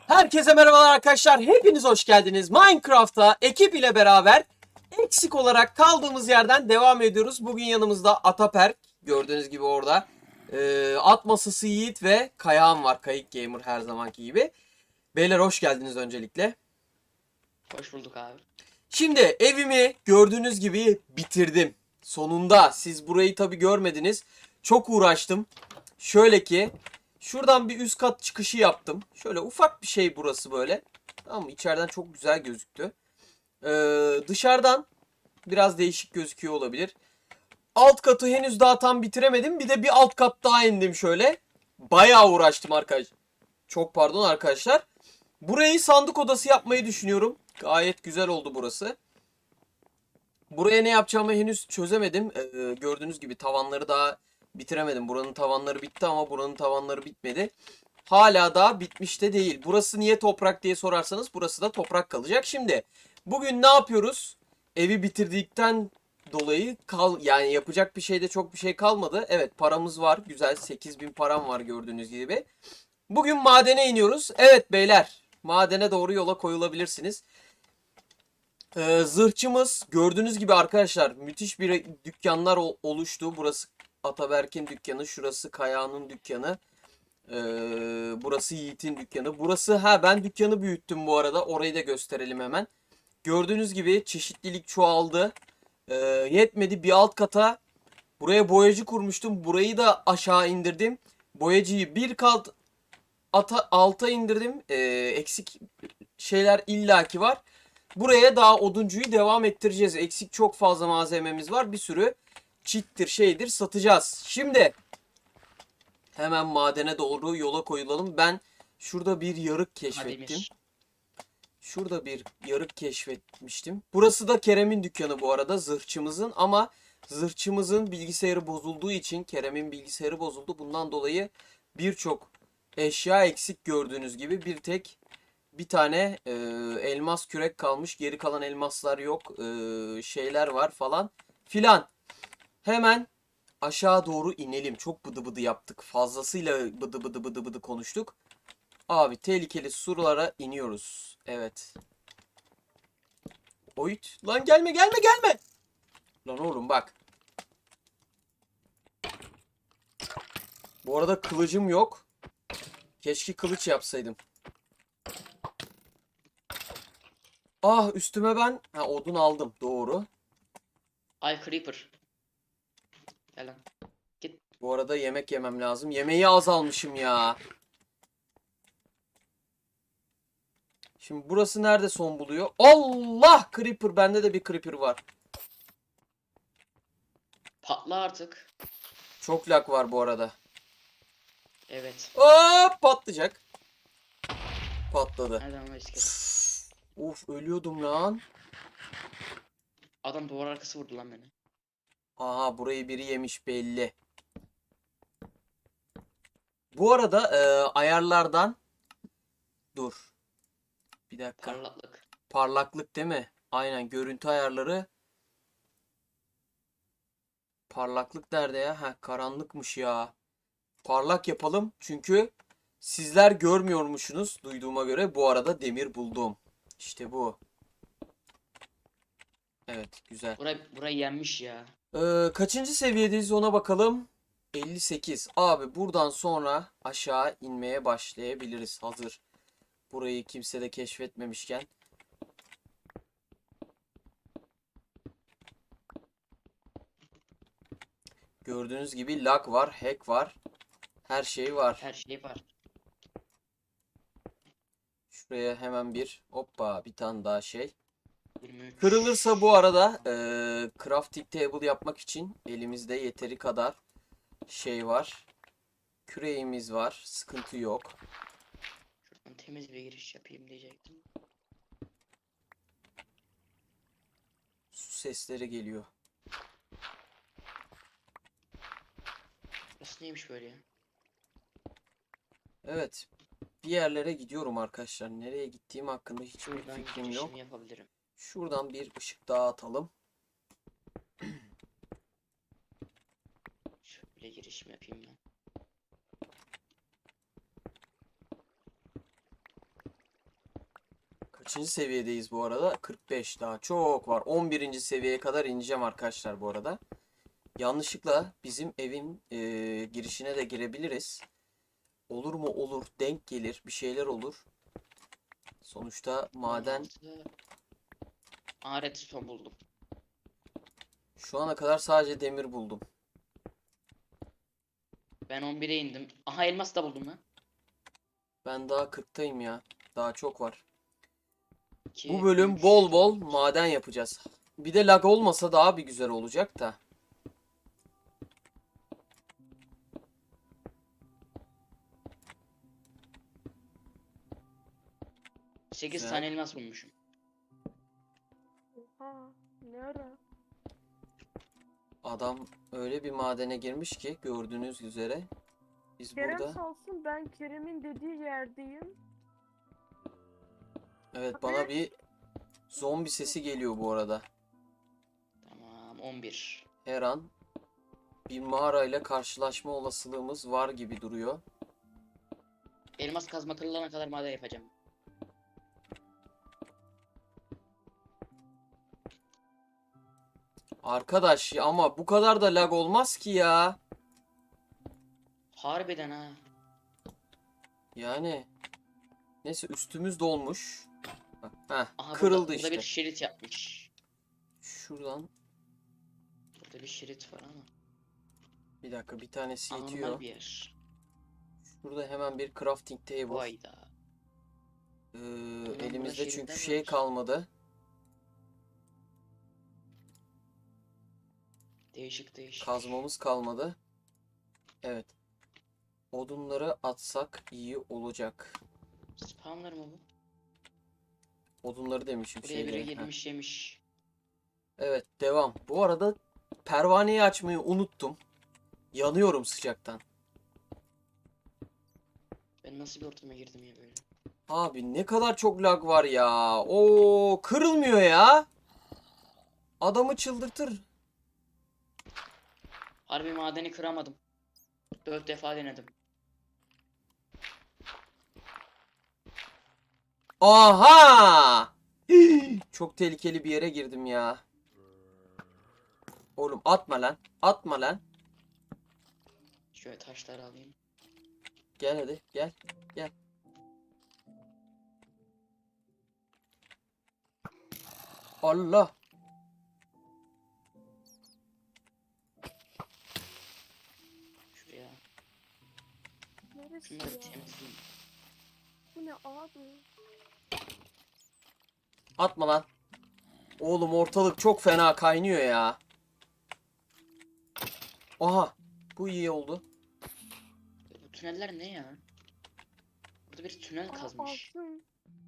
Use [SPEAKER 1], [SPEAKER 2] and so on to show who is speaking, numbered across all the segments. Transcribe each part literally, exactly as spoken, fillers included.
[SPEAKER 1] Herkese merhabalar arkadaşlar. Hepiniz hoş geldiniz. Minecraft'ta ekip ile beraber eksik olarak kaldığımız yerden devam ediyoruz. Bugün yanımızda Ataperk. Gördüğünüz gibi orada. Ee, at masası Yiğit ve Kayağan var. Kayık Gamer her zamanki gibi. Beyler hoş geldiniz öncelikle.
[SPEAKER 2] Hoş bulduk abi.
[SPEAKER 1] Şimdi evimi gördüğünüz gibi bitirdim. Sonunda siz burayı tabi görmediniz. Çok uğraştım. Şöyle ki şuradan bir üst kat çıkışı yaptım. Şöyle ufak bir şey burası böyle. Tamam mı? İçeriden çok güzel gözüktü. Ee, dışarıdan biraz değişik gözüküyor olabilir. Alt katı henüz daha tam bitiremedim. Bir de bir alt kat daha indim şöyle. Bayağı uğraştım arkadaşlar. Çok pardon arkadaşlar. Burayı sandık odası yapmayı düşünüyorum. Gayet güzel oldu burası. Buraya ne yapacağımı henüz çözemedim. Ee, gördüğünüz gibi tavanları daha bitiremedim. Buranın tavanları bitti ama buranın tavanları bitmedi. Hala daha bitmiş de değil. Burası niye toprak diye sorarsanız burası da toprak kalacak. Şimdi bugün ne yapıyoruz? Evi bitirdikten dolayı kal yani yapacak bir şeyde çok bir şey kalmadı. Evet, paramız var. Güzel, sekiz bin param var gördüğünüz gibi. Bugün madene iniyoruz. Evet beyler, madene doğru yola koyulabilirsiniz. Ee, zırhçımız gördüğünüz gibi arkadaşlar müthiş bir dükkanlar oluştu. Burası Ataberk'in dükkanı, şurası Kaya'nın dükkanı. Ee, burası Yiğit'in dükkanı. Burası ha ben dükkanı büyüttüm bu arada. Orayı da gösterelim hemen. Gördüğünüz gibi çeşitlilik çoğaldı. Ee, yetmedi bir alt kata buraya boyacı kurmuştum. Burayı da aşağı indirdim. Boyacıyı bir kat ata, alta indirdim. Ee, eksik şeyler illaki var. Buraya daha oduncuyu devam ettireceğiz. Eksik çok fazla malzememiz var. Bir sürü çittir şeydir satacağız. Şimdi hemen madene doğru yola koyulalım. Ben şurada bir yarık keşfettim.
[SPEAKER 2] Ademir.
[SPEAKER 1] Şurada bir yarık keşfetmiştim. Burası da Kerem'in dükkanı bu arada, zırhçımızın, ama zırhçımızın bilgisayarı bozulduğu için Kerem'in bilgisayarı bozuldu. Bundan dolayı birçok eşya eksik gördüğünüz gibi. Bir tek bir tane e, elmas kürek kalmış. Geri kalan elmaslar yok. E, şeyler var falan filan. Hemen aşağı doğru inelim. Çok bıdı bıdı yaptık. Fazlasıyla bıdı bıdı bıdı bıdı konuştuk. Abi tehlikeli surlara iniyoruz. Evet. Oyut. Lan gelme gelme gelme. Lan oğlum bak. Bu arada kılıcım yok. Keşke kılıç yapsaydım. Ah, üstüme ben ha, odun aldım. Doğru.
[SPEAKER 2] Ay Creeper. Gel lan. Git.
[SPEAKER 1] Bu arada yemek yemem lazım. Yemeği az almışım ya. Şimdi burası nerede son buluyor? Allah! Creeper. Bende de bir creeper var.
[SPEAKER 2] Patla artık.
[SPEAKER 1] Çok lag var bu arada.
[SPEAKER 2] Evet.
[SPEAKER 1] Hop, patlayacak. Patladı.
[SPEAKER 2] Nereden ama iskelet.
[SPEAKER 1] Uf, ölüyordum lan.
[SPEAKER 2] Adam duvar arkası vurdu lan beni.
[SPEAKER 1] Aha, burayı biri yemiş belli. Bu arada e, ayarlardan dur. Bir dakika.
[SPEAKER 2] Parlaklık.
[SPEAKER 1] Parlaklık değil mi? Aynen, görüntü ayarları. Parlaklık nerede ya? Ha, karanlıkmış ya. Parlak yapalım çünkü sizler görmüyormuşsunuz duyduğuma göre. Bu arada demir buldum. İşte bu. Evet, güzel.
[SPEAKER 2] Burayı, burayı yenmiş ya.
[SPEAKER 1] Ee, kaçıncı seviyedeyiz ona bakalım. elli sekiz. Abi buradan sonra aşağı inmeye başlayabiliriz. Hazır burayı kimse de keşfetmemişken. Gördüğünüz gibi lag var, hack var. Her şey var.
[SPEAKER 2] Her şey var.
[SPEAKER 1] Şuraya hemen bir hoppa bir tane daha şey.
[SPEAKER 2] yirmi üç.
[SPEAKER 1] Kırılırsa bu arada e, crafting table yapmak için elimizde yeteri kadar şey var. Küreğimiz var. Sıkıntı yok.
[SPEAKER 2] Şuradan temiz bir giriş yapayım diyecektim.
[SPEAKER 1] Su sesleri geliyor.
[SPEAKER 2] Burası neymiş böyle ya?
[SPEAKER 1] Evet. Bir yerlere gidiyorum arkadaşlar. Nereye gittiğim hakkında hiçbir
[SPEAKER 2] Şuradan
[SPEAKER 1] fikrim yok.
[SPEAKER 2] girişimi yapabilirim.
[SPEAKER 1] Şuradan bir ışık daha atalım.
[SPEAKER 2] Şöyle girişimi yapayım ben.
[SPEAKER 1] Kaçıncı seviyedeyiz bu arada? kırk beş, daha çok var. on birinci seviyeye kadar ineceğim arkadaşlar bu arada. Yanlışlıkla bizim evin e, girişine de girebiliriz. Olur mu? Olur. Denk gelir. Bir şeyler olur. Sonuçta maden
[SPEAKER 2] on altı. Aa, redstone buldum.
[SPEAKER 1] şu ana kadar sadece demir buldum.
[SPEAKER 2] Ben on bire indim. Aha, elmas da buldum lan.
[SPEAKER 1] Ben daha kırktayım ya. Daha çok var. Bu
[SPEAKER 2] iki,
[SPEAKER 1] bölüm
[SPEAKER 2] üç,
[SPEAKER 1] bol bol
[SPEAKER 2] dört.
[SPEAKER 1] maden yapacağız. Bir de lag olmasa daha bir güzel olacak da.
[SPEAKER 2] sekiz
[SPEAKER 1] Güzel.
[SPEAKER 2] tane elmas bulmuşum.
[SPEAKER 3] Oha, ne ara?
[SPEAKER 1] Adam öyle bir madene girmiş ki gördüğünüz üzere. Biz
[SPEAKER 3] Kerem
[SPEAKER 1] burada.
[SPEAKER 3] sağ olsun, ben Kerem'in dediği yerdeyim.
[SPEAKER 1] Evet, bana bir zombi sesi geliyor bu arada.
[SPEAKER 2] Tamam, on bir.
[SPEAKER 1] Her an bir mağarayla karşılaşma olasılığımız var gibi duruyor.
[SPEAKER 2] Elmas kazma kırılana kadar maden yapacağım.
[SPEAKER 1] Arkadaş ya, ama bu kadar da lag olmaz ki ya.
[SPEAKER 2] Harbiden ha.
[SPEAKER 1] Yani neyse, üstümüz dolmuş. Heh,
[SPEAKER 2] Aha,
[SPEAKER 1] kırıldı
[SPEAKER 2] burada,
[SPEAKER 1] işte.
[SPEAKER 2] burada bir şerit yapmış.
[SPEAKER 1] Şuradan
[SPEAKER 2] Burada bir şerit var ama.
[SPEAKER 1] bir dakika, bir tanesi
[SPEAKER 2] Anormal
[SPEAKER 1] yetiyor.
[SPEAKER 2] bir yer.
[SPEAKER 1] Şurada hemen bir crafting table.
[SPEAKER 2] Vayda.
[SPEAKER 1] Ee,
[SPEAKER 2] burada
[SPEAKER 1] elimizde çünkü
[SPEAKER 2] şeritler
[SPEAKER 1] şey
[SPEAKER 2] var.
[SPEAKER 1] kalmadı.
[SPEAKER 2] Değişik değişik.
[SPEAKER 1] Kazmamız kalmadı. Evet. Odunları atsak iyi olacak.
[SPEAKER 2] Spawner mı bu?
[SPEAKER 1] Odunları demişim,
[SPEAKER 2] Buraya
[SPEAKER 1] şeyleri.
[SPEAKER 2] biri
[SPEAKER 1] Heh.
[SPEAKER 2] girmiş yemiş.
[SPEAKER 1] Evet, devam. Bu arada pervaneyi açmayı unuttum. Yanıyorum sıcaktan.
[SPEAKER 2] Ben nasıl bir ortama girdim ya böyle?
[SPEAKER 1] Abi ne kadar çok lag var ya. Oo, kırılmıyor ya. Adamı çıldırtır.
[SPEAKER 2] Harbi madeni kıramadım. Dört defa denedim.
[SPEAKER 1] Aha! Hii, çok tehlikeli bir yere girdim ya. Oğlum atma lan. Atma lan.
[SPEAKER 2] Şöyle taşları alayım.
[SPEAKER 1] Gel hadi, gel. Gel. Allah.
[SPEAKER 2] Şuraya.
[SPEAKER 3] Neresi
[SPEAKER 2] Şunları
[SPEAKER 3] ya?
[SPEAKER 2] temizleyeyim.
[SPEAKER 3] Bu ne abi?
[SPEAKER 1] Atma lan. Oğlum ortalık çok fena kaynıyor ya. Aha. Bu iyi oldu.
[SPEAKER 2] Bu tüneller ne ya? Burada bir tünel
[SPEAKER 3] Aa,
[SPEAKER 2] kazmış.
[SPEAKER 3] altın.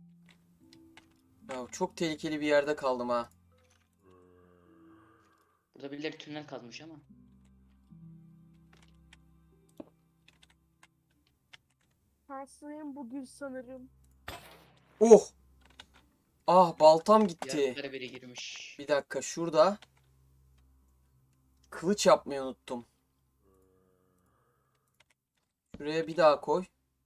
[SPEAKER 1] Ya çok tehlikeli bir yerde kaldım ha.
[SPEAKER 2] Burada birileri tünel kazmış ama.
[SPEAKER 3] Şanslıyım bugün sanırım.
[SPEAKER 1] Oh. Ah, baltam gitti.
[SPEAKER 2] Yarıklara biri girmiş.
[SPEAKER 1] Bir dakika, şurada kılıç yapmayı unuttum. Şuraya bir daha koy.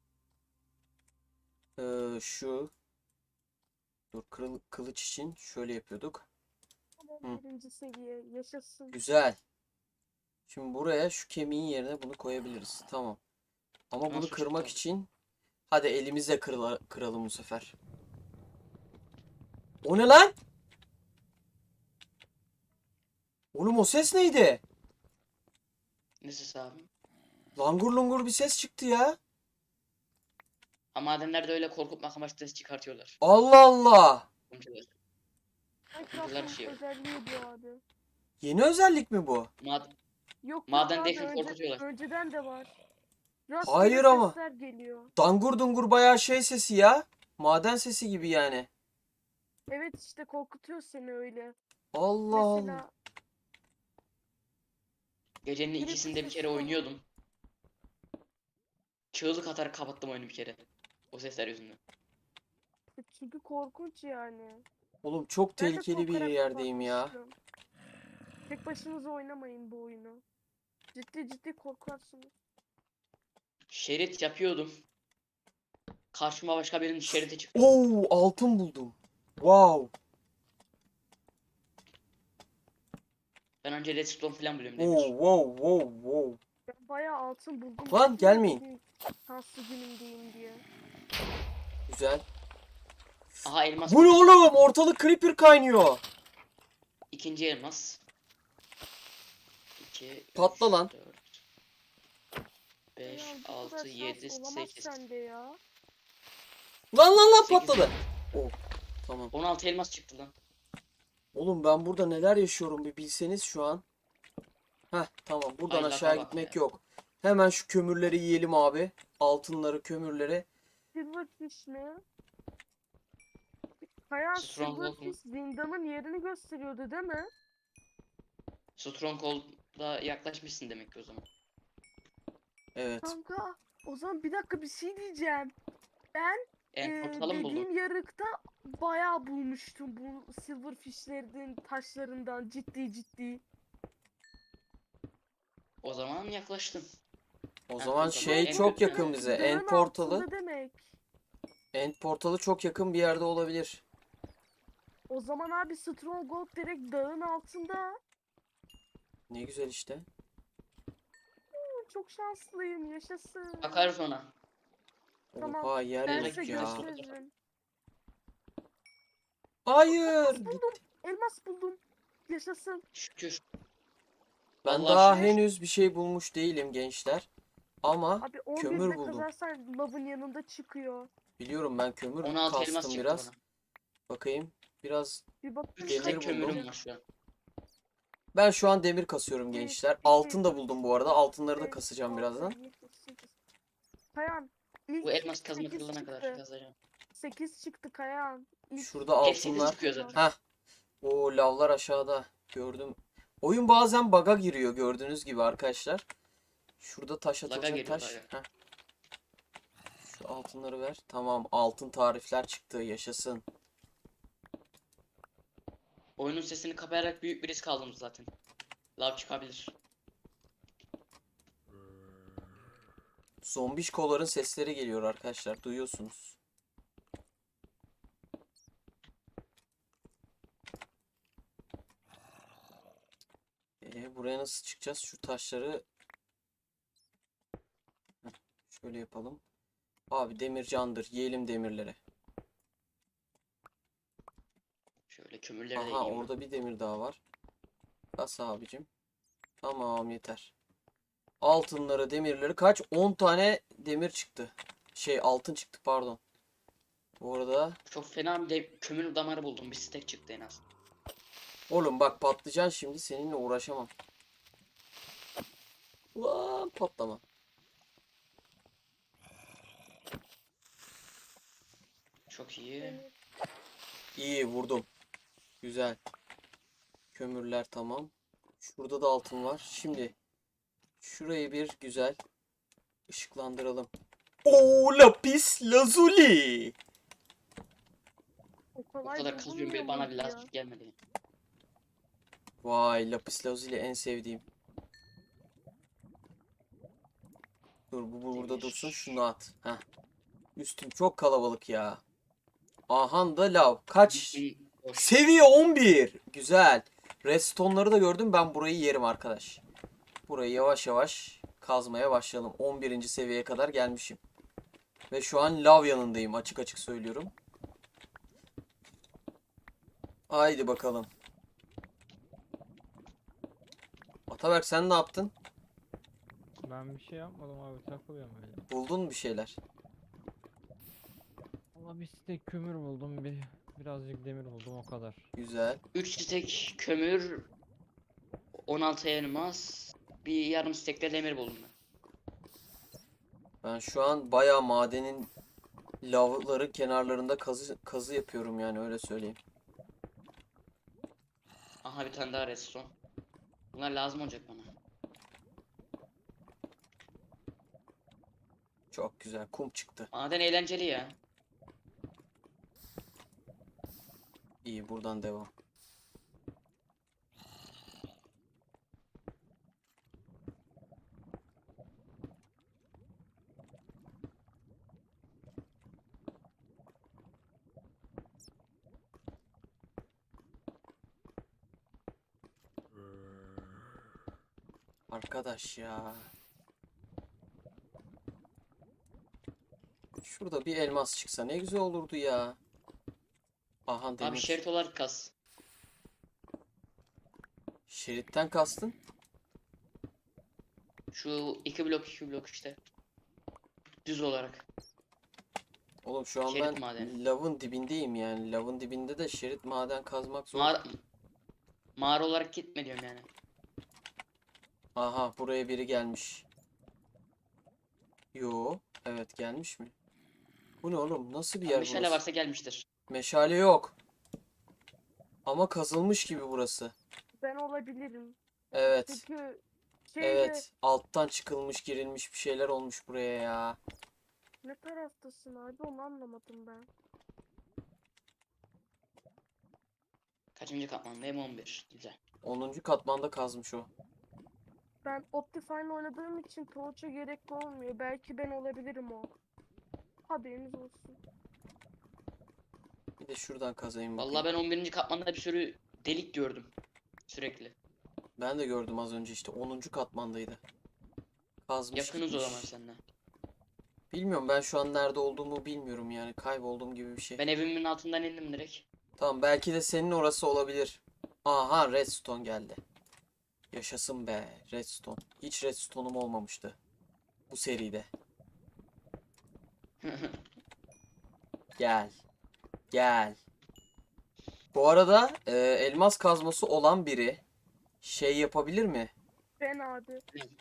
[SPEAKER 1] Ee, şu. Dur, kırıl- kılıç için şöyle yapıyorduk. Hı.
[SPEAKER 3] Birinci seviye yaşasın.
[SPEAKER 1] Güzel. Şimdi buraya şu kemiğin yerine bunu koyabiliriz. Tamam. Ama bunu
[SPEAKER 2] Nasıl
[SPEAKER 1] kırmak
[SPEAKER 2] çıktı?
[SPEAKER 1] için hadi elimizle kırla- kıralım bu sefer. O ne lan? Oğlum o ses neydi?
[SPEAKER 2] Ne ses abi?
[SPEAKER 1] Langur lungur bir ses çıktı ya.
[SPEAKER 2] Ama madenlerde öyle korkutmak amaçlı ses çıkartıyorlar.
[SPEAKER 1] Allah Allah.
[SPEAKER 2] Komşular.
[SPEAKER 3] Minecraft'ın
[SPEAKER 2] şey yok.
[SPEAKER 3] özelliği bu abi.
[SPEAKER 1] Yeni özellik mi bu?
[SPEAKER 2] Mad
[SPEAKER 3] Yok
[SPEAKER 2] Maden
[SPEAKER 3] yok abi,
[SPEAKER 2] defin
[SPEAKER 3] önce-
[SPEAKER 2] korkutuyorlar.
[SPEAKER 3] önceden de var. Rastgele
[SPEAKER 1] Hayır ama.
[SPEAKER 3] sesler geliyor.
[SPEAKER 1] Dangur dungur bayağı şey sesi ya. Maden sesi gibi yani.
[SPEAKER 3] Evet, işte korkutuyor seni öyle.
[SPEAKER 1] Allah Allah.
[SPEAKER 3] Mesela
[SPEAKER 2] Gecenin
[SPEAKER 3] Birisi
[SPEAKER 2] ikisinde bir kere
[SPEAKER 3] sesi var.
[SPEAKER 2] oynuyordum. Çığlık atarak kapattım oyunu bir kere. O sesler yüzünden.
[SPEAKER 3] çünkü korkunç yani.
[SPEAKER 1] Oğlum çok
[SPEAKER 3] Ben de
[SPEAKER 1] tehlikeli bir
[SPEAKER 3] korkarak
[SPEAKER 1] yerdeyim ya.
[SPEAKER 3] kapatmıştım. Tek başınıza oynamayın bu oyunu. Ciddi ciddi korkarsınız.
[SPEAKER 2] Şerit yapıyordum. Karşıma başka birinin şeridi çıktı.
[SPEAKER 1] Oo, altın buldum. Wow.
[SPEAKER 2] Ben önce redstone falan buluyorum
[SPEAKER 1] Wow
[SPEAKER 2] Demir.
[SPEAKER 1] wow wow wow.
[SPEAKER 3] Ben bayağı altın buldum.
[SPEAKER 1] Lan,
[SPEAKER 3] dedim ya
[SPEAKER 1] gelmeyin.
[SPEAKER 3] bugün şanslı günümdeyim diye.
[SPEAKER 1] Güzel.
[SPEAKER 2] Aha elmas
[SPEAKER 1] Bu ne
[SPEAKER 2] buldum.
[SPEAKER 1] oğlum? Ortalık creeper kaynıyor.
[SPEAKER 2] İkinci elmas. iki,
[SPEAKER 1] Patla
[SPEAKER 2] üç,
[SPEAKER 1] lan.
[SPEAKER 2] dört,
[SPEAKER 3] Ya
[SPEAKER 2] beş,
[SPEAKER 3] bu kadar
[SPEAKER 2] altı,
[SPEAKER 3] şans
[SPEAKER 2] yedi,
[SPEAKER 3] olamaz
[SPEAKER 2] sekiz.
[SPEAKER 3] sende ya.
[SPEAKER 1] Lan lan lan
[SPEAKER 2] sekiz,
[SPEAKER 1] patladı. Oh, tamam.
[SPEAKER 2] on altı elmas çıktı lan.
[SPEAKER 1] Oğlum ben burada neler yaşıyorum bir bilseniz şu an. Heh, tamam, buradan
[SPEAKER 2] Ay,
[SPEAKER 1] aşağı
[SPEAKER 2] laga bak
[SPEAKER 1] gitmek
[SPEAKER 2] ya.
[SPEAKER 1] yok. Hemen şu kömürleri yiyelim abi. Altınları, kömürleri.
[SPEAKER 3] Silverfish mi? Kaya
[SPEAKER 2] Stronghold mu?
[SPEAKER 3] Silverfish zindanın yerini gösteriyordu değil mi?
[SPEAKER 2] Stronghold'a yaklaşmışsın demek ki o zaman.
[SPEAKER 1] Evet.
[SPEAKER 3] Kanka o zaman bir dakika bir şey diyeceğim. Ben
[SPEAKER 2] En
[SPEAKER 3] e,
[SPEAKER 2] portalı mı buldun?
[SPEAKER 3] dediğim yarıkta bayağı bulmuştum bu silverfishlerin taşlarından ciddi ciddi.
[SPEAKER 2] O zaman yaklaştın.
[SPEAKER 1] O
[SPEAKER 2] En
[SPEAKER 1] zaman
[SPEAKER 2] portalı,
[SPEAKER 1] şey
[SPEAKER 2] en
[SPEAKER 1] çok
[SPEAKER 2] kötü
[SPEAKER 1] yakın
[SPEAKER 2] yani.
[SPEAKER 1] bize.
[SPEAKER 3] Dağın
[SPEAKER 1] End portalı.
[SPEAKER 3] altında demek.
[SPEAKER 1] End portalı çok yakın bir yerde olabilir.
[SPEAKER 3] O zaman abi Stronghold direkt dağın altında.
[SPEAKER 1] Ne güzel işte.
[SPEAKER 3] Hı, çok şanslıyım yaşasın.
[SPEAKER 2] Bakarız ona.
[SPEAKER 3] Tamam,
[SPEAKER 1] Oha, yer
[SPEAKER 3] ben
[SPEAKER 2] Buradaki
[SPEAKER 3] size
[SPEAKER 1] yok ya.
[SPEAKER 2] şurası.
[SPEAKER 3] gösteririm.
[SPEAKER 1] Hayır.
[SPEAKER 3] Elmas buldum. Elmas buldum. Yaşasın.
[SPEAKER 2] Şükür.
[SPEAKER 1] Ben
[SPEAKER 2] Vallahi
[SPEAKER 1] daha
[SPEAKER 2] şükür.
[SPEAKER 1] henüz bir şey bulmuş değilim gençler. Ama
[SPEAKER 3] Abi on
[SPEAKER 1] kömür
[SPEAKER 3] birde
[SPEAKER 1] buldum.
[SPEAKER 3] kazarsan lavın yanında çıkıyor.
[SPEAKER 1] Biliyorum, ben kömür
[SPEAKER 2] on altı elmas
[SPEAKER 1] kastım
[SPEAKER 2] çıktı
[SPEAKER 1] biraz.
[SPEAKER 2] bana.
[SPEAKER 1] Bakayım. Biraz
[SPEAKER 3] Bir bakayım
[SPEAKER 2] üç
[SPEAKER 1] demir
[SPEAKER 2] tek
[SPEAKER 3] kaç
[SPEAKER 1] buldum.
[SPEAKER 2] kömürüm
[SPEAKER 3] çıktı.
[SPEAKER 2] var şu an.
[SPEAKER 1] Ben şu an demir kasıyorum
[SPEAKER 3] Bir,
[SPEAKER 1] gençler.
[SPEAKER 3] iki,
[SPEAKER 1] Altın da
[SPEAKER 3] üç,
[SPEAKER 1] buldum bu arada. Altınları da
[SPEAKER 3] beş,
[SPEAKER 1] kasacağım
[SPEAKER 3] altı,
[SPEAKER 1] birazdan.
[SPEAKER 3] yedi, sekiz. Kayan
[SPEAKER 2] Bu
[SPEAKER 3] ilk
[SPEAKER 2] elmas kazma
[SPEAKER 3] sekiz
[SPEAKER 2] kırılana kadar
[SPEAKER 3] çıktı.
[SPEAKER 2] kazacağım.
[SPEAKER 3] sekiz çıktı Kayan. İlk
[SPEAKER 1] Şurada
[SPEAKER 2] Hep sekiz
[SPEAKER 1] altınlar.
[SPEAKER 2] çıkıyor zaten.
[SPEAKER 1] Heh. O lavlar aşağıda. Gördüm. Oyun bazen bug'a giriyor gördüğünüz gibi arkadaşlar. Şurada taş
[SPEAKER 2] Laga
[SPEAKER 1] atılacak
[SPEAKER 2] geliyor,
[SPEAKER 1] taş.
[SPEAKER 2] laga.
[SPEAKER 1] Heh. Şu altınları ver. Tamam, altın tarifler çıktı. Yaşasın.
[SPEAKER 2] Oyunun sesini kapayarak büyük bir risk aldım zaten. Lav çıkabilir.
[SPEAKER 1] Zombişkoların sesleri geliyor arkadaşlar. Duyuyorsunuz. Ee, buraya nasıl çıkacağız? Şu taşları Heh, şöyle yapalım. Abi demir candır. Yiyelim demirleri.
[SPEAKER 2] Şöyle kömürleri de
[SPEAKER 1] Aha,
[SPEAKER 2] yiyeyim ben.
[SPEAKER 1] orada bir demir daha var. Bas abicim. Tamam, yeter. Altınları, demirleri kaç? on tane demir çıktı. Şey, altın çıktı pardon. Bu arada
[SPEAKER 2] Çok fena bir de kömür damarı buldum. Bir stack çıktı en az.
[SPEAKER 1] oğlum bak, patlıcan, şimdi seninle uğraşamam. Ulan patlama.
[SPEAKER 2] Çok iyi.
[SPEAKER 1] İyi vurdum. Güzel. Kömürler tamam. Şurada da altın var. Şimdi şurayı bir güzel ışıklandıralım. Oo, lapis lazuli.
[SPEAKER 3] o
[SPEAKER 2] O
[SPEAKER 3] kolay
[SPEAKER 2] kadar kazıyorum bile
[SPEAKER 3] bulunmuyor
[SPEAKER 2] bana bir
[SPEAKER 3] muydu ya?
[SPEAKER 2] lazım gelmedi.
[SPEAKER 1] Vay, lapis lazuli en sevdiğim. Dur, bu bu burada
[SPEAKER 2] Demir.
[SPEAKER 1] dursun, şunu at. Heh. Üstüm çok kalabalık ya. Ahan da lav. Kaç?
[SPEAKER 2] Bütün boş.
[SPEAKER 1] Seviye on bir. Güzel. Redstone'ları da gördüm. Ben burayı yerim arkadaş. Burayı yavaş yavaş kazmaya başlayalım. on birinci seviyeye kadar gelmişim. Ve şu an lav yanındayım. Açık açık söylüyorum. Haydi bakalım. Ataberk, sen ne yaptın?
[SPEAKER 4] Ben bir şey yapmadım abi, takılıyorum öyle.
[SPEAKER 1] Buldun bir şeyler.
[SPEAKER 4] Ama bir stek kömür buldum, bir birazcık demir buldum, o kadar.
[SPEAKER 1] Güzel.
[SPEAKER 2] üç stack kömür, on altı elmas, bir yarım stack de demir buldum ben.
[SPEAKER 1] Ben şu an bayağı madenin lavların kenarlarında kazı, kazı yapıyorum yani, öyle söyleyeyim.
[SPEAKER 2] Aha bir tane daha redstone. Bunlar lazım olacak bana.
[SPEAKER 1] Çok güzel. Kum çıktı.
[SPEAKER 2] Maden eğlenceli ya.
[SPEAKER 1] İyi, buradan devam. Arkadaş ya. Şurada bir elmas çıksa ne güzel olurdu ya. Aha
[SPEAKER 2] Abi
[SPEAKER 1] demir.
[SPEAKER 2] şerit olarak kas.
[SPEAKER 1] Şeritten kastın?
[SPEAKER 2] Şu iki blok iki blok işte. Düz olarak.
[SPEAKER 1] Oğlum şu an
[SPEAKER 2] Şerit
[SPEAKER 1] ben
[SPEAKER 2] madeni.
[SPEAKER 1] lavın dibindeyim yani. Lavın dibinde de şerit maden kazmak zor.
[SPEAKER 2] Mağara, mağara olarak gitme diyorum yani.
[SPEAKER 1] Aha buraya biri gelmiş. Yo, evet gelmiş mi? Bu ne oğlum? Nasıl bir
[SPEAKER 2] Yani
[SPEAKER 1] yer
[SPEAKER 2] meşale
[SPEAKER 1] burası?
[SPEAKER 2] varsa gelmiştir.
[SPEAKER 1] Meşale yok. Ama kazılmış gibi burası.
[SPEAKER 3] Ben olabilirim.
[SPEAKER 1] Evet.
[SPEAKER 3] Çünkü şeyde
[SPEAKER 1] Evet. Alttan çıkılmış, girilmiş bir şeyler olmuş buraya ya.
[SPEAKER 3] ne taraftasın abi onu anlamadım ben.
[SPEAKER 2] Kaçıncı katmandayım? on bir. Güzel.
[SPEAKER 1] onuncu katmanda kazmış o.
[SPEAKER 3] Ben Optifine oynadığım için torch'a gerek olmuyor. Belki ben olabilirim o. Haberiniz olsun.
[SPEAKER 1] Bir de şuradan kazayım
[SPEAKER 2] Vallahi
[SPEAKER 1] bakayım.
[SPEAKER 2] ben on birinci katmanda bir sürü delik gördüm. Sürekli.
[SPEAKER 1] Ben de gördüm az önce işte onuncu katmandaydı. Kazmış
[SPEAKER 2] Yakınız o zaman
[SPEAKER 1] gitmiş.
[SPEAKER 2] seninle.
[SPEAKER 1] Bilmiyorum, ben şu an nerede olduğumu bilmiyorum yani. Kaybolduğum gibi bir şey.
[SPEAKER 2] Ben evimin altından indim direkt.
[SPEAKER 1] Tamam, belki de senin orası olabilir. Aha, redstone geldi. Yaşasın be redstone. Hiç redstone'um olmamıştı bu seride. Gel. Gel. Bu arada e, elmas kazması olan biri şey yapabilir mi?
[SPEAKER 3] Ben abi.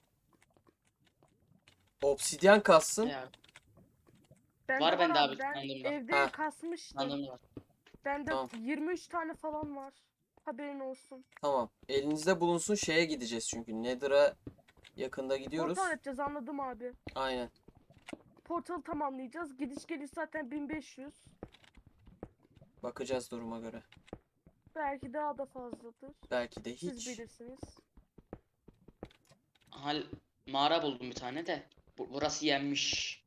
[SPEAKER 1] Obsidyen kazsın.
[SPEAKER 2] Ya,
[SPEAKER 3] Bende
[SPEAKER 2] var bende
[SPEAKER 3] abi.
[SPEAKER 2] abi.
[SPEAKER 3] Ben
[SPEAKER 2] Sandığımda.
[SPEAKER 3] evde
[SPEAKER 1] Ha.
[SPEAKER 3] kasmıştım.
[SPEAKER 2] Sandığımda var.
[SPEAKER 3] Bende
[SPEAKER 1] Tamam.
[SPEAKER 3] yirmi üç tane falan var. Haberin olsun.
[SPEAKER 1] Tamam. Elinizde bulunsun, şeye gideceğiz çünkü. Nether'a yakında gidiyoruz.
[SPEAKER 3] Portal yapacağız anladım abi.
[SPEAKER 1] Aynen.
[SPEAKER 3] Portalı tamamlayacağız. Gidiş geliş zaten bin beş yüz.
[SPEAKER 1] Bakacağız duruma göre.
[SPEAKER 3] Belki daha da fazladır.
[SPEAKER 1] Belki de
[SPEAKER 3] Siz
[SPEAKER 1] hiç.
[SPEAKER 3] bilirsiniz.
[SPEAKER 2] Hal mağara buldum bir tane de. Bu, burası yenmiş.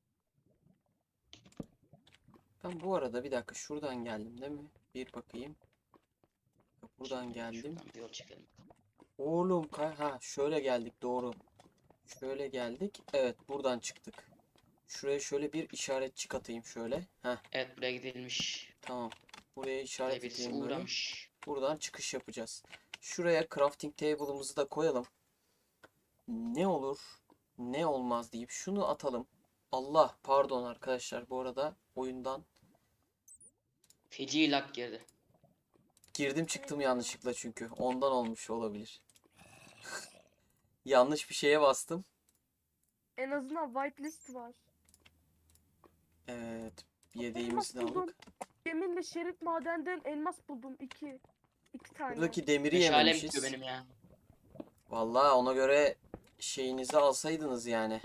[SPEAKER 1] Ben bu arada bir dakika şuradan geldim değil mi? Bir bakayım. Buradan geldim.
[SPEAKER 2] Şuradan bir yol çekelim.
[SPEAKER 1] Oğlum kay ha şöyle geldik doğru. Şöyle geldik. Evet, buradan çıktık. Şuraya şöyle bir işaretçik atayım şöyle. Heh,
[SPEAKER 2] Evet, buraya gidilmiş.
[SPEAKER 1] tamam. Buraya
[SPEAKER 2] Buraya
[SPEAKER 1] işaret
[SPEAKER 2] birisi
[SPEAKER 1] edeyim böyle.
[SPEAKER 2] uğramış.
[SPEAKER 1] Buradan çıkış yapacağız. Şuraya crafting table'ımızı da koyalım. Ne olur, ne olmaz deyip şunu atalım. Allah, pardon arkadaşlar, bu arada oyundan
[SPEAKER 2] Feci lag girdi.
[SPEAKER 1] girdim çıktım yanlışlıkla çünkü. Ondan olmuş olabilir. Yanlış bir şeye bastım.
[SPEAKER 3] En azından whitelist var.
[SPEAKER 1] Evet,
[SPEAKER 3] Elmas
[SPEAKER 1] yediğimizi de
[SPEAKER 3] buldum.
[SPEAKER 1] aldık.
[SPEAKER 3] Yeminle şerit madenden elmas buldum. iki. İki tane.
[SPEAKER 1] Buradaki demiri
[SPEAKER 2] Meşalem
[SPEAKER 1] yememişiz.
[SPEAKER 2] bitiyor benim ya.
[SPEAKER 1] Vallahi ona göre şeyinizi alsaydınız yani.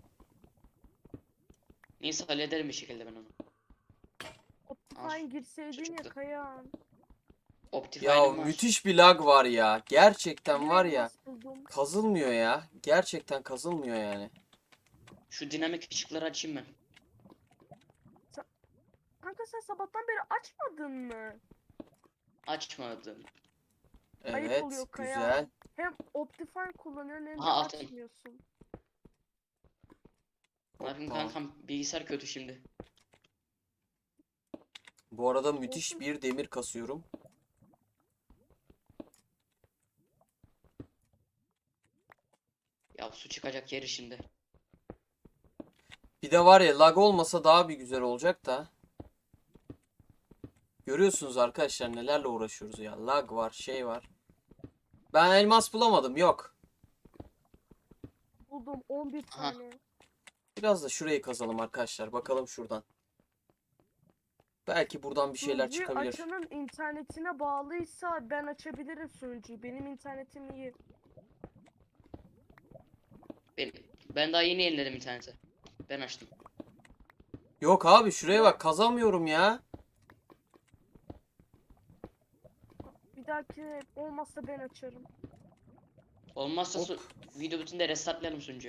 [SPEAKER 2] Neyse hallederim bir şekilde ben onu.
[SPEAKER 3] Optifine girseydin ya
[SPEAKER 2] çıktı.
[SPEAKER 3] Kayan.
[SPEAKER 2] Optifine'im
[SPEAKER 1] Ya
[SPEAKER 2] var.
[SPEAKER 1] müthiş bir lag var ya. Gerçekten
[SPEAKER 3] Bir
[SPEAKER 1] var ya.
[SPEAKER 3] elmas buldum.
[SPEAKER 1] Kazılmıyor ya. Gerçekten kazılmıyor yani.
[SPEAKER 2] Şu dinamik ışıkları açayım ben.
[SPEAKER 3] Kanka sen sabahtan beri açmadın mı?
[SPEAKER 2] Açmadım.
[SPEAKER 3] Ayıp
[SPEAKER 1] Evet,
[SPEAKER 3] oluyor Kaya.
[SPEAKER 1] güzel.
[SPEAKER 3] Hem Optifine kullanıyorsun hem de
[SPEAKER 2] Aha, altın.
[SPEAKER 3] açmıyorsun.
[SPEAKER 2] Ne yapayım
[SPEAKER 1] Hoppa.
[SPEAKER 2] kankam, bilgisayar kötü şimdi.
[SPEAKER 1] Bu arada müthiş
[SPEAKER 3] Olsun.
[SPEAKER 1] bir demir kasıyorum.
[SPEAKER 2] Ya su çıkacak yeri şimdi.
[SPEAKER 1] Bir de var ya, lag olmasa daha bir güzel olacak da. Görüyorsunuz arkadaşlar nelerle uğraşıyoruz ya. Lag var, şey var. Ben elmas bulamadım, yok.
[SPEAKER 3] Buldum on bir
[SPEAKER 2] Aha.
[SPEAKER 3] tane.
[SPEAKER 1] Biraz da şurayı kazalım arkadaşlar. Bakalım şuradan. Belki buradan bir şeyler
[SPEAKER 3] Sunucuyu
[SPEAKER 1] çıkabilir.
[SPEAKER 3] açanın internetine bağlıysa ben açabilirim sunucuyu. Benim internetim iyi.
[SPEAKER 2] Ben, ben daha yeni yeniledim interneti. Ben açtım.
[SPEAKER 1] Yok abi, şuraya bak, kazamıyorum ya.
[SPEAKER 3] Bir dahaki olmazsa ben açarım.
[SPEAKER 2] Olmazsa
[SPEAKER 1] Hop.
[SPEAKER 2] su, video bütünde restartlayalım sunucuyu.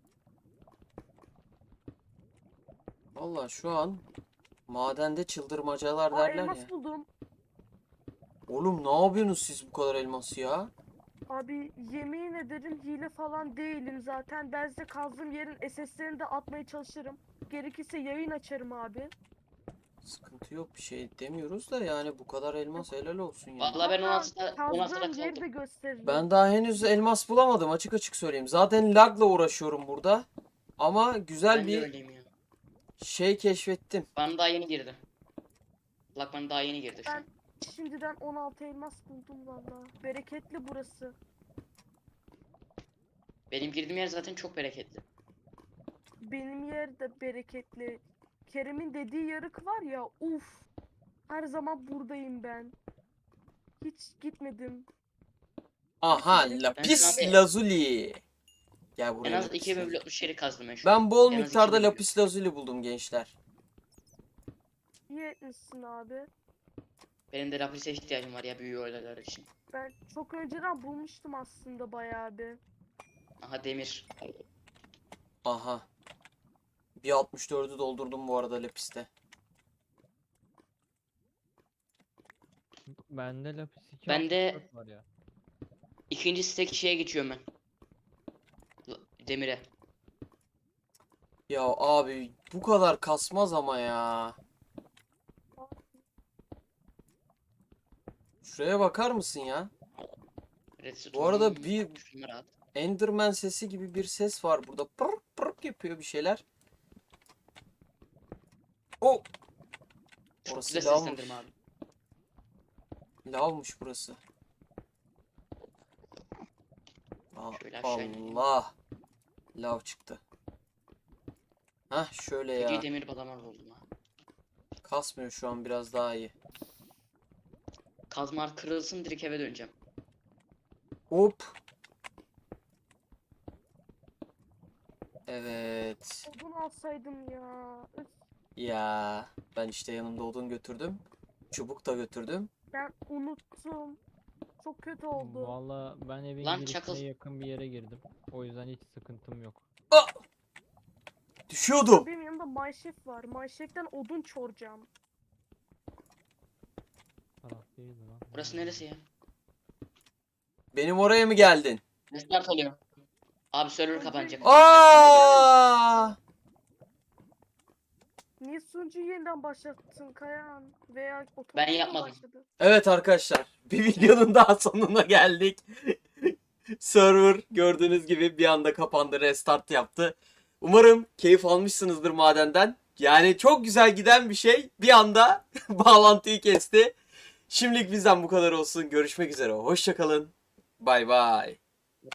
[SPEAKER 1] Vallahi şu an madende çıldırmacalar
[SPEAKER 3] Aa
[SPEAKER 1] derler
[SPEAKER 3] elmas
[SPEAKER 1] ya.
[SPEAKER 3] buldum.
[SPEAKER 1] Oğlum ne yapıyorsunuz siz bu kadar elması ya?
[SPEAKER 3] Abi yemin ederim hile falan değilim zaten. Ben size kazdığım yerin S S'lerini de atmaya çalışırım. Gerekirse yayın açarım abi.
[SPEAKER 1] Sıkıntı yok, bir şey demiyoruz da yani bu kadar elmas helal olsun yani.
[SPEAKER 2] Vallahi ben on altıda on altıda
[SPEAKER 3] Kazdığım yeri de
[SPEAKER 2] kaldım.
[SPEAKER 3] gösteririm.
[SPEAKER 1] Ben daha henüz elmas bulamadım, açık açık söyleyeyim. Zaten lagla uğraşıyorum burada. Ama güzel
[SPEAKER 2] Ben de
[SPEAKER 1] bir
[SPEAKER 2] öyleyim ya.
[SPEAKER 1] şey keşfettim.
[SPEAKER 2] Bana daha yeni girdi. Lak bana daha yeni girdi şu an.
[SPEAKER 3] Ben şimdiden on altı elmas buldum valla. Bereketli burası.
[SPEAKER 2] Benim girdiğim yer zaten çok bereketli.
[SPEAKER 3] Benim yer de bereketli. Kerem'in dediği yarık var ya, uf. Her zaman buradayım ben. Hiç gitmedim.
[SPEAKER 1] Aha,
[SPEAKER 3] Ben
[SPEAKER 1] lapis
[SPEAKER 2] şu an-
[SPEAKER 1] lazuli. Gel
[SPEAKER 2] En
[SPEAKER 1] buraya
[SPEAKER 2] az
[SPEAKER 1] lapis
[SPEAKER 2] iki
[SPEAKER 1] lazuli.
[SPEAKER 2] bölü altmış yeri kazdım ben şu an.
[SPEAKER 1] Ben bol
[SPEAKER 2] En az
[SPEAKER 1] miktarda
[SPEAKER 2] iki bölü.
[SPEAKER 1] lapis lazuli buldum gençler.
[SPEAKER 3] İyi etmişsin abi.
[SPEAKER 2] Benim de lapise ihtiyacım var ya büyü olaylar için.
[SPEAKER 3] Ben çok önceden bulmuştum aslında bayağı bir.
[SPEAKER 2] Aha demir.
[SPEAKER 1] Aha. Bir altmış dördü doldurdum bu arada lapiste.
[SPEAKER 4] Bende lapis iki
[SPEAKER 2] Bende-
[SPEAKER 4] altmış dört var ya.
[SPEAKER 2] İkinci stek şeye geçiyorum ben. La- Demire.
[SPEAKER 1] Ya abi bu kadar kasmaz ama ya. Şuraya bakar mısın ya? Bu arada
[SPEAKER 2] Redstone-
[SPEAKER 1] bir-
[SPEAKER 2] Şunları at.
[SPEAKER 1] Enderman sesi gibi bir ses var burada. Pırk pırk yapıyor bir şeyler. O.
[SPEAKER 2] Çok
[SPEAKER 1] Orası
[SPEAKER 2] güzel
[SPEAKER 1] lavmış.
[SPEAKER 2] seslendirme abi.
[SPEAKER 1] Lavmış burası. Aa,
[SPEAKER 2] Şöyle aşağı ineyim.
[SPEAKER 1] Allah. Lav çıktı. Hah şöyle
[SPEAKER 2] Feci
[SPEAKER 1] ya.
[SPEAKER 2] demir balamar oldum ha.
[SPEAKER 1] Kasmıyor şu an, biraz daha iyi.
[SPEAKER 2] Kazmar kırılsın direkt eve döneceğim.
[SPEAKER 1] Hop. Evet.
[SPEAKER 3] Odun alsaydım ya. Üf,
[SPEAKER 1] Ya ben işte yanımda odun götürdüm. Çubuk da götürdüm.
[SPEAKER 3] ben unuttum. Çok kötü oldu.
[SPEAKER 4] Valla ben evin
[SPEAKER 2] Lan
[SPEAKER 4] girişine
[SPEAKER 2] çakıl.
[SPEAKER 4] yakın bir yere girdim. O yüzden hiç sıkıntım yok.
[SPEAKER 1] Düşüyordum.
[SPEAKER 3] Benim yanımda Mineshaft var. Mineshaft'ten odun çoracağım.
[SPEAKER 4] Taraf değildi lan.
[SPEAKER 2] Burası neresi ya?
[SPEAKER 1] Benim oraya mı geldin?
[SPEAKER 2] Restart oluyor. Abi server kapanacak.
[SPEAKER 1] Aa!
[SPEAKER 3] Niye sunucuyu yeniden başlattın Kayan? Veya otomatik
[SPEAKER 2] Ben
[SPEAKER 3] mi
[SPEAKER 2] yapmadım.
[SPEAKER 3] başladı?
[SPEAKER 1] Evet arkadaşlar, bir videonun daha sonuna geldik. Server gördüğünüz gibi bir anda kapandı, restart yaptı. Umarım keyif almışsınızdır madenden. Yani çok güzel giden bir şey bir anda bağlantıyı kesti. Şimdilik bizden bu kadar olsun. Görüşmek üzere. Hoşça kalın. Bay bay.